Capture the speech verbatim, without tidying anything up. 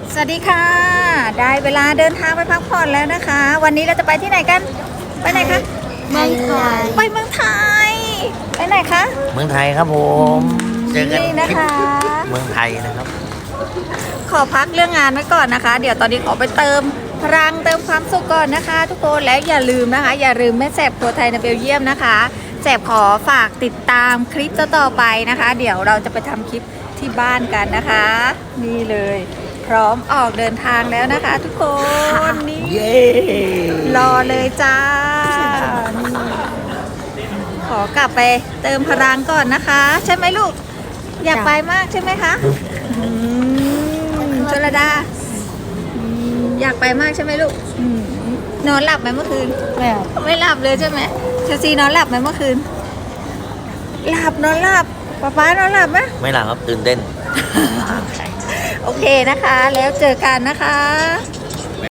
สวัสดีค่ะได้เวลาเดินทางไปพักผ่อนแล้วนะคะ วันนี้เราจะไปที่ไหนกันไปไหนคะเมืองไทยไปเมืองไทยไปไหนคะเมืองไทยครับผมเจอกันนี่นะคะเมืองไทยนะครับขอพักเรื่องงานไว้ก่อนนะคะ เดี๋ยวตอนนี้ขอไปเติมพลังเติมความสุขก่อนนะคะ ทุกคนแล้วอย่าลืมนะคะ อย่าลืมแม่แสบครัวไทยในเบลเยียมนะคะแสบขอฝากติดตามคลิปต่อๆไปนะคะ เดี๋ยวเราจะไปทำคลิปที่บ้านกันนะคะ นี่เลยพร้อมออกเดินทางแล้วนะคะ ทุกคนนี่เย้รอเลยจ้าขอกลับไปเติมพลังก่อนนะคะ ใช่ไหมลูกอยากไปมากใช่ไหมคะอืมชลดาอืมอยากไปมากใช่ไหมลูกอืมนอนหลับไหมเมื่อคืนแบบไม่หลับเลยใช่ไหมเชลซีนอนหลับไหมเมื่อคืนหลับนอนหลับป๊าป๊านอนหลับไหมไม่หลับครับตื่นเต้นโอเคนะคะ แล้วเจอกันนะคะ